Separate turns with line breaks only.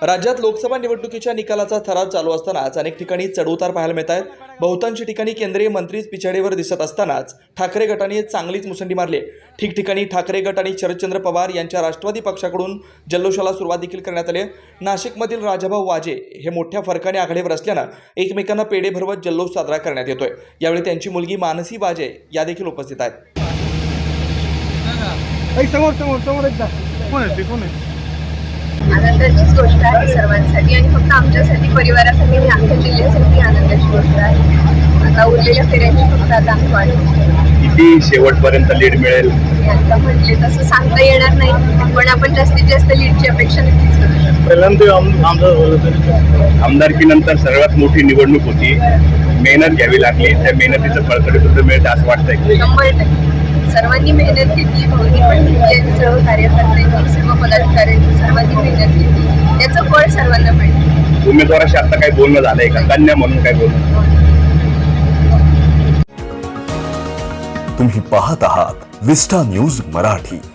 राज्यात लोकसभा निवडणुकीच्या निकालाचा थरार चालू असतानाच अनेक ठिकाणी चढउतार पाहायला मिळत आहेत। बहुतांश ठिकाणी केंद्रीय मंत्रीच पिछाडीवर दिसत असतानाच ठाकरे गटाने चांगलीच मुसंडी मारली। ठिकठिकाणी ठाकरे गट आणि शरदचंद्र पवार यांच्या राष्ट्रवादी पक्षाकडून जल्लोषाला सुरुवात देखील करण्यात आली। नाशिकमधील राजाभाऊ वाजे हे मोठ्या फरकाने आघाडीवर असल्यानं एकमेकांना पेढे भरवत जल्लोष साजरा करण्यात येतोय। यावेळी त्यांची मुलगी मानसी वाजे या देखील उपस्थित आहेत।
आनंदाचीच गोष्ट आहे सर्वांसाठी आणि फक्त आमच्यासाठी परिवारासाठी आणि अख्ख्या जिल्ह्यासाठी आनंदाची गोष्ट आहे। आता उरलेल्या फेऱ्यांची फक्त आता आम्ही वाट बघतो।
किती शेवटपर्यंत लीड मिळेल
आता म्हटले तसं सांगता येणार नाही, पण आपण जास्तीत जास्त लीडची अपेक्षा नक्कीच करू शकतो।
पहिल्यांदा आमदारकीनंतर सर्वात मोठी निवडणूक होती, मेहनत घ्यावी लागली, त्या मेहनतीचं फळकडे सुद्धा मिळतं असं वाटतंय।
100% सर्वांनी मेहनत घेतली, भाऊनी पण घेतली आणि सर्व कार्यकर्त्यांनी सर्व पदाधिकाऱ्यांनी सर्वांनी मेहनत घेतली, त्याचं फळ सर्वांना मिळतं।
उमेदवाराशी आता काही बोलणं झालंय का? कन्या म्हणून काय बोलणं?
तुम्ही पाहत आहात विस्टा न्यूज मराठी।